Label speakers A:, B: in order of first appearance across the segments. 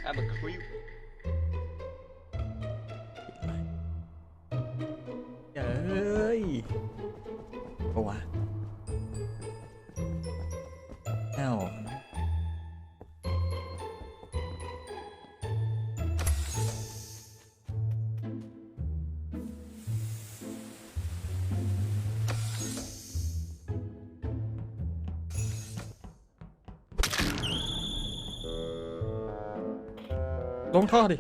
A: I'm a creep
B: เอ้ยโอ้วะเอ้าลงท่อดิ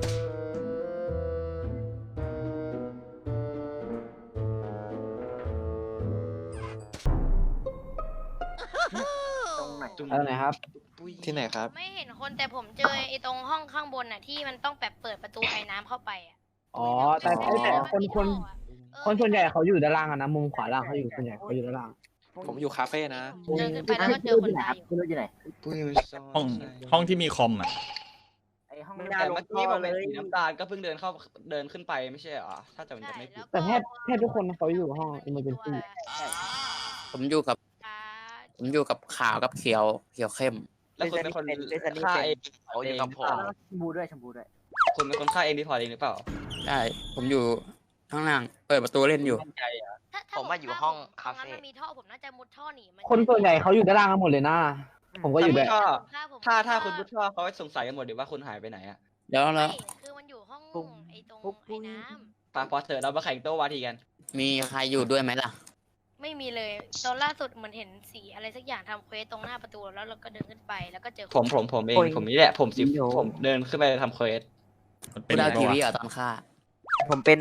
C: อะไรนะครับ
D: ที่ไหนครับ
E: ไม่เห็นคนแต่ผมเจอไอ้ตรงห้องข้างบนน่ะที่มันต้องแบบเปิดประตูไอ้น้ำเข้าไปอ่ะ
C: อ๋อแต่คนส่วนใหญ่เขาอยู่ด้านล่างอะนะมุมขวาล่างเขาอยู่ส่วนใหญ่เขาอยู่ด้านล่าง
D: ผมอยู่คาเฟ่นะ
E: เดินขึ้นไปแล้วก็เจอคนตายอยู่
C: คุณรู้อยู่ไหน
B: ห้องที่มีคอมอ่ะ
C: ไอห้อง
A: แต่เมื่อกี้ผมเป็นสีน้ำตาลก็เพิ่งเดินขึ้นไปไม่ใช่เหรอถ้าจำไม่ผิด
C: แต่แทบทุกคนเขาอยู่ห้อง emergency
F: ผมอยู่กับขาวกับเขียวเข้ม
A: แล้วคุณเป็นคนฆ่าเอง
F: เขาอยู่กับผม
C: ชมพูด้วย
A: คุณเป็นคนฆ่าเองรีพอร์ตเองหรือเปล่า
F: ใช่ผมอยู่ข้างล่างเปิดประตูเล่นอยู่
A: มั่นใจอ่ะ
E: ผมว่าอยู่ห้องคาเฟ่มันมีท่อผมน่าจะมุดท่อหนีมัน
C: คนส่วนใหญ่เขาอยู่ด้านล่างกันหมดเลยนะผมก็อยู่ด้วย
A: ถ้าคุณพุทธว่าเขาสงสัยกันหมดเดี๋ยวว่าคุณหายไปไหนอ่ะ
F: แล้ว
E: คือมันอยู่ห้องไอ้ตรงไอ้น้ำ
A: พอเถอะเรามาแข่งโต้วาทีกัน
F: มีใครอยู่ด้วยไหมล่ะ
E: ไม่มีเลยตอนล่าสุดเหมือนเห็นสีอะไรสักอย่างทำเควสตรงหน้าประตูแล้วเราก็เดินขึ้นไปแล้วก็เจอ
A: ผมเองผมนี่แหละผมเดินขึ้นไปทำเควส
B: มันเป็น
F: ผู้ดาว
B: ไง
F: ทีวี
B: วะ
F: อ่ะตอนฆ่า
C: ผมเป็น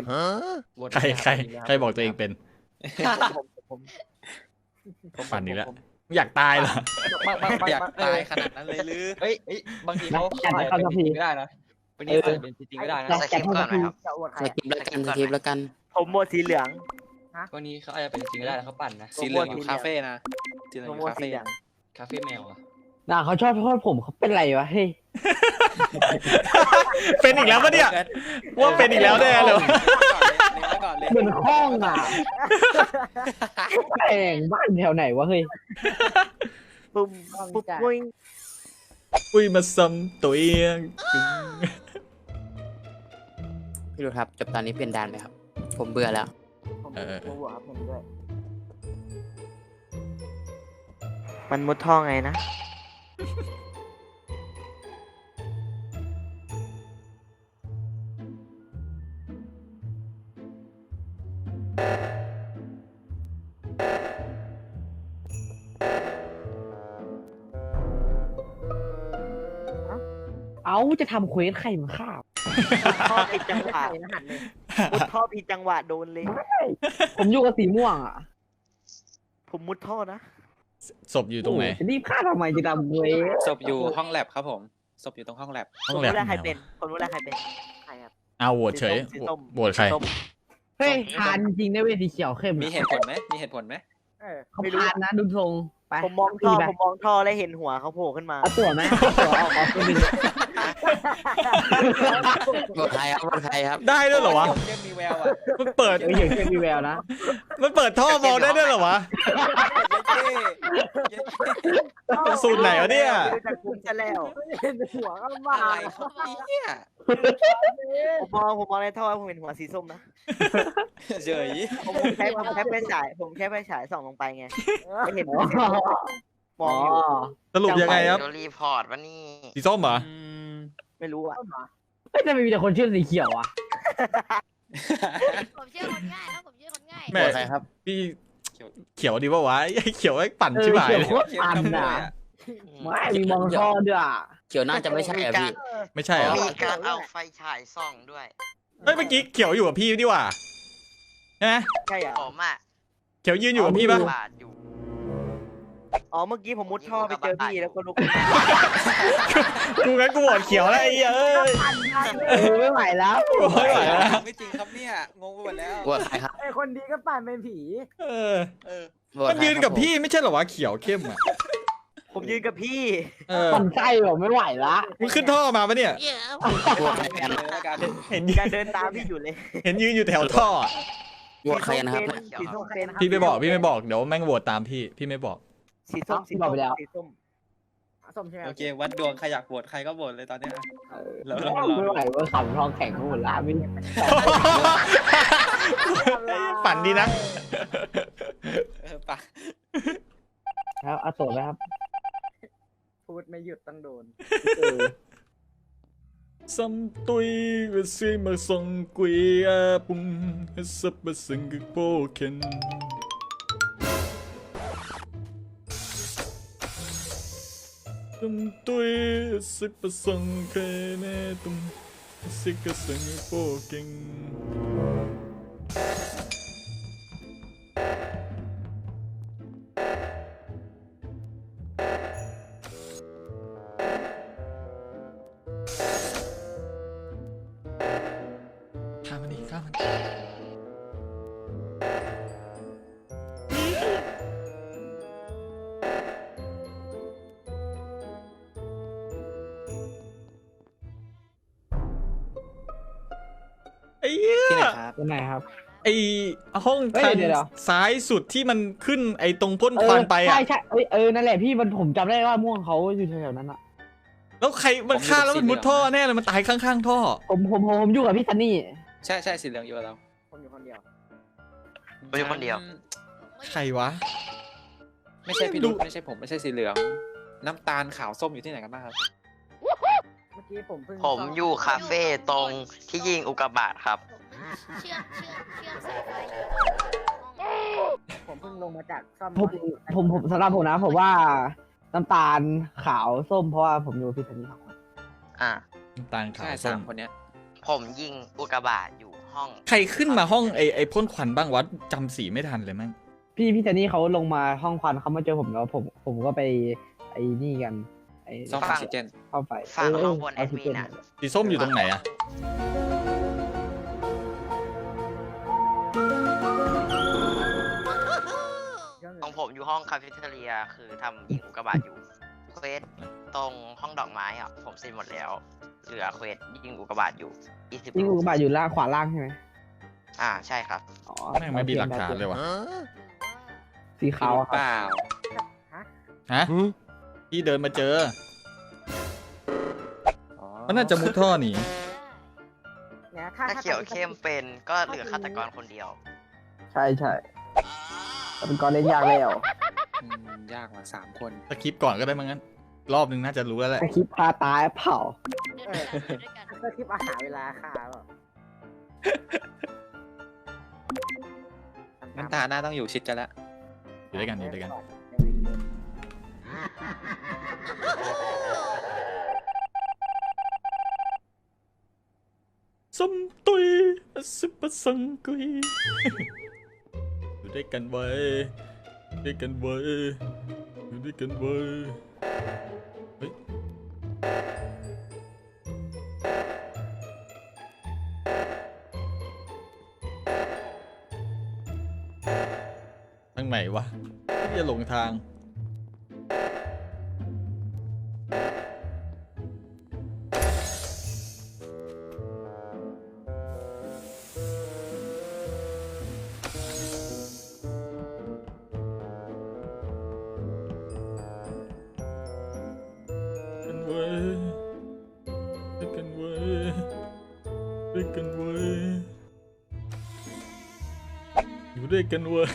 B: ใครบอกตัวเองเป็นฝันนี้แล้วอยากตายเหรอ
D: อยากตายขนาดนั้นเลยหรือ
A: เฮ้ยบางทีเขาเป็นจริงก็ได้นะบางทีเป็นจริงก็ได้นะ
F: สกิปแล้วกัน
C: ผมหมดสีเหลือง
A: บางทีเขาอาจจะเป็นจริงก็ได้นะเขาปั่นนะ
D: สีเหลืองอยู่คาเฟ่นะสีเหลืองอยู่คาเฟ่
A: คาเฟ่แมวอ่ะ
C: น่าเขาชอบโทษผมเขาเป็นไรวะเฮ้ย
B: เป็นอีกแล้วปะเนี่ยว่าเป็นอีกแล้วแน่เลย
D: ก่อนเลย
C: เหมือนห้องอ่ะแต่งบ้านแถวไหนวะเฮ้ยปุ๊บปุ้ย
B: อุ้ยมาซ้ำตัวเอง
F: พี่ดูครับจบตอนนี้เปลี่ยนด่านไหมครับ ผมเบื่อแล้ว
C: มันมุดท่อไงนะเอาจะทำเควสใครมาฆ่าท่อผิดจังหวะมุดท่อผิดจังหวะโดนเลยผมอยู่กับสีม่วงอ่ะผมมุดท่อนะ
B: ศพอยู่ตรงไหน
C: รีบฆ่าทำไมจะทำเควส
D: ศพอยู่ห้องแลบครับผมศพอยู่ตรงห้องแลบ
B: ห้องแลบ
C: ใครเป็นคนรู้แล้วใครเป็นใครครับ
B: เอาโหวตเฉย
C: สีส้ม
B: โหวตใคร
C: เฮ้ยทานจริงได้เวทีเขียวเข้ม
D: มีเหตุผลไหมมีเหตุผลไหม
C: เขาทานนะดูทรงไปผมมองท่อแล้วเห็นหัวเขาโผล่ขึ้นมาเอาตัวไหมตัวออกตัวนึง
F: บทใครครับ
B: ได้ด้วยเหรอวะ
D: เล่นมีแววอ่ะ
B: มันเปิด
C: เดี๋ยวเข้มมีแววนะ
B: มันเปิดท่อมองได้ด้วยเหรอวะสูตรไหนวะเนี่ย
C: จากคุ้มจะแล้วเห็นหัวก็มา
D: อะไรครับเนี่ย
C: ผมมองในท่อผมเห็นหัวสีส้มนะ
D: เฉย
C: ผมแค่ไปฉายส่องลงไปไงไม่เห็นมองอยู่
B: สรุปยังไงครับ
F: โดนรีพอร์ตวะนี่
B: สีส้มเหรอ
C: ไม่รู้อ่ะไม่จะมีแต่คนชื่อสีเขียวอ่ะ
E: ผมเชื่อคนง่ายครับผมเชื่อคนง่าย
B: แม่
F: บทใครครับ
B: พี่เขียวดีป่าวะไอ้เขียวไอ้ปั่นชิบหายเลย
D: เขียวขโมยอ่ะ
C: ไม่มีมองท่อด้วยอ่ะ
F: เขียวน่าจะไม่ใช่อ่ะพี่
B: ไม่ใช่เหรอ
G: มีการเอาไฟฉายส่องด้วย
B: เฮ้ยเมื่อกี้เขียวอยู่กับพี่ดีกว่าใช่ไหม
C: ใช่อ่ะ
G: ผมอ่ะ
B: เขียวยืนอยู่กับพี่ปะ
G: บาดอยู่
C: อ๋อเมื่อกี้ผมมุดท่อไปเจอพี่แล้วก็ลุก
B: กูงั้นกูโหวตเขียวแล้วไอ้เหี้ยเอ้ย
C: ไม่ไหวแล้ว
B: ไม่ไหวแล้ว
D: ไม่จริงครับเนี่ยงงไปหมดแล้ว
F: บทใครครับ
C: ไอคนดีก็ปั่นเป็นผี
B: เออบ
F: ท
B: มัน
F: ใคร
B: ยืนกับพี่ไม่ใช่เหรอวะเขียวเข้มอ่ะ
C: ผมยืนกับพี่
B: เออ
C: ปั่นไส้ผมไม่ไหวละ
B: มึงขึ้นท่อมาปะเนี่ย
F: บทใครกัน
D: เลยแล้วกัน
B: เห็น
C: จะเดินตามพี่อยู่เลย
B: เห็นยืนอยู่แถวท่ออะ
F: บทใครนะครับ
C: สีส้มเป็น
B: พี่ไม่บอกเดี๋ยวแม่งโหวตตามพี่ไม่บอก
C: สีส้มสีส้มสีส้มส้มใช่ไหม
D: โอเค วัดดวงใครอยากโหวตใครก็โหวตเลยตอนเนี้ยอะ แล้ว
C: ไม่ไหวว่าขำทองแข็งทั้งหมดละไม่
B: ปั่นดีนะ
D: ปะ
C: ครับเอาโสดไหมครับ พูดไม่หยุดต้องโดน
B: ซัมตุยก็ซีมาส่งกุยอาปุงสับประสังกโปเคนซัมตุยสิประสังเคเนตุงสิกสังกโปเคนข้ามมันดิข้ามมันไอ้เหี้
D: ที่ไหน
B: ย
D: ครับ
C: เป็นไงครับ
B: ไอห้อง
C: เฮ้ย
B: ทาง
C: เดี๋ยว
B: ซ้ายสุดที่มันขึ้นไอตรงพ่นควันไปอ่ะ
C: ใช่ใช่นั่นแหละพี่มันผมจำได้ว่าม่วงเขาอยู่แถวๆนั้นอ่ะ
B: แล้วใครมันฆ่าแล้วมันมุดท่อแน่เลยมันตายข้างๆท่อ
C: ผมอยู่กับพี่ซันนี่
D: ใช่ใช่สีเหลืองอยู่กับเรา
C: ผมอยู่คนเดียว
G: ผมอยู่คนเดียว
B: ใครวะ
D: ไม่ใช่พี่ดุไม่ใช่ผมไม่ใช่สีเหลือง น้ำตาลขาวส้มอยู่ที่ไหนกันบ้างครับ
C: เมื่อกี้ผมเพิ่ง
G: ผมอยู่คาเฟ่ตรงที่ยิงอุกกาบาตครับ
E: เชื่อมสายไฟอยู่ห้อง
C: ผมเพิ่งลงมาจากซ่อมผมสำหรับผมนะผมว่าน้ำตาลขาวส้มเพราะว่าผมอยู่กับพี่ซันนี่สองคน
G: อ่า
B: น้ำตาลขาว
D: ใช่
B: ส้
D: สาม มคนเนี้ย
G: ผมยิงอุกกาบาตอยู่ห้อง
B: ใครขึ้นมาห้องไอพ่นควันบ้างวะจำสีไม่ทันเลยมั้ง
C: พี่ซันนี่เขาลงมาห้องควันเขามาเจอผมแล้วผมก็ไปไอ้นี่กันไอ้
D: ซ่อมออกซิเจน
C: เข้าไป
G: ฝั่งข้างบนแอดมินอ่ะ
B: สีส้มอยู่ตรงไหนอะ
G: ของผมอยู่ห้องคาเฟ่เทเรียคือทำยิงอุกกาบาตอยู่เควสตรงห้องดอกไม้อ่ะผมเสร็จหมดแล้ว เหลือเควสยิงอุกกาบาตอยู่20
C: นี่
G: ลู
C: อุ
G: ก
C: กกาบาตอยู่ล่างขวาล่างใช่ไหม
G: ใช่ครับ
C: อ๋อ
B: แม่งไม่มีหลักฐานเลยวะ
C: สีขาวอะค
D: เป
C: รับ
D: ล่า
B: ฮะพี่เดินมาเจอ
D: อ๋อ
B: มันน่าจะมุดท่อหนี
G: ถ้าเขียวเข้มเป็นก็เหลือฆาตกรคนเดียว
C: ใช่แต่เป็นกรเล่นยากแล้ว
D: ยากกว่า3 คน
B: สคริปต์ก่อนก็ได้มั้งงั้น รอบนึงน่าจะรู้แล้วแหละ
C: คลิปพาตายเผา
E: เดินด้วยกัน
C: ก็คลิปอาหารเวลาค่ะ
D: น้ำตาหน้าต้องอยู่ชิดกันแล้ว
B: อยู่ด้วยกันอยู่ด้วยกันส้มตุยสิบสังกุยอยู่ด้วยกันไว้ด้วยกันไว้อยู่ด้วยกันไว้เฮ้ยทางไหนวะที่จะหลงทางกันไว้ด้วยกันไว้ด้วยกันไว้อยู่ด้วยกันไว้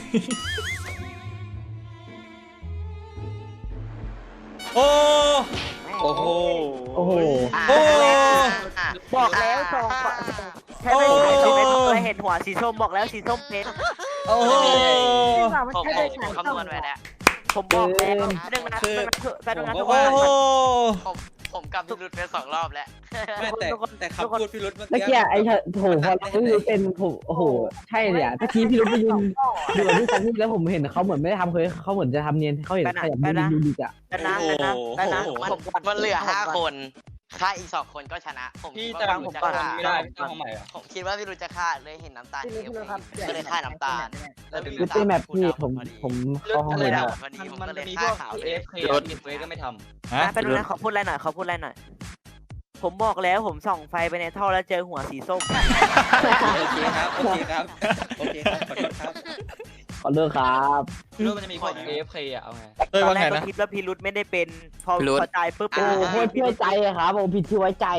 B: โอ้
D: โอ้โห
C: โอ้โห
B: โอ้
C: บอกแล้วสองใช่ไหมเคยเห็นหัวสีส้มบอกแล้วสีส้มเพชร
B: โอ้โห
G: ผมคำนวณไว้แล้ว
C: ผมบอกแล้วหนึ่งนะ
D: คือ
C: แป๊บนึงนะ
D: ผม
C: ทุก
D: ก็
C: ค
B: โอ้
C: น
B: โห
G: ผมกลับพิรุธไป2 รอบแล้ว
D: ไม่แต่คำพูดพี่รุธเมื่อ
C: เมื่อ
D: กี้
C: กี้ไอ้โถพอพี่รุ้เป็นผมโอ้โหใช่เนี่ยตะกี้พี่รุ้ไปยืนอยู่กับพี่ซันนี่แล้วผมเห็นเขาเหมือนไม่ได้ทำเคยเขาเหมือนจะทำเนียนเขาเห็นขยับยืนดูดิจ้ะ
D: โอ้โห
G: มันเหลือ5 คนฆ่าอีก2 คนก็ชนะ ผม
A: พี่
G: คิด
A: จะ
G: ว่า
A: ผม
G: พี่รุธจะ
A: ก่อน
G: ฆ่า
A: ไม่ได้พี่ต้องห้องใหม่อ่ะ
G: ผมคิดว่าพี่รุธจะฆ่าเลยเห็นน้ำตาลเขียวก็เลยฆ่าน้ำตาลแล้ว
C: คือเป็นแบบพี่ผมเข้าห้อง
G: เล
C: เลย ย
G: ดา
C: นะ
G: พอดีผม
A: มัน
G: ก็เล
A: จะ
G: ย
A: มีพ
G: ฆ่าว
A: ก
G: ขาวเลย
A: AFK มีเฟซก็ไม่ทำ
B: ฮะ
C: เป็นนะขอพูดอะไรหน่อยขอพูดอะไรหน่อย ผมบอกแล้วผมส่องไฟไปในท่อแล้วเจอหัวสีส้ม
D: โอเคครับ โอเคครับ โอเคครับ ขอโทษครับ
C: ขอเลิกครับ
A: รู้มันจะมีพวก AFK อ่ะเอาไง
B: เอ้ย
C: ตอ
B: ว่าน
C: แร
B: ไง
C: กก็
B: นะ
C: คิดว่าพี่รุธไม่ได้เป็น พอ
F: พี่รุธ
C: พอใจปุ๊บ
G: โอ้
C: โอ้โหเชื่อใจอะครับโอ้ผิดที่ไว้ใจ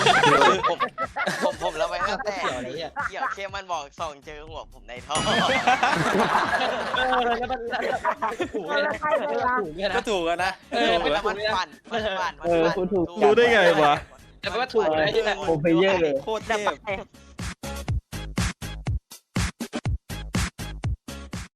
G: ผมระแวงตั้งแต่
A: เกี่ยวอะไรเนี่ย
G: เกี่ยวเข้มมันบอกส่องเจอหัวผมในท่อ
A: แล้วมันถูกเลยนะถูกเลยนะ
D: ก็ถูกอะนะ
G: แล้วมันปั่น
C: เออพูดถูก
B: รู้ได้ไงวะ
A: แต่ว่าถูกเลย
C: โอ้ไปเยอะเลย
D: โคตรเท
C: แต่
D: พ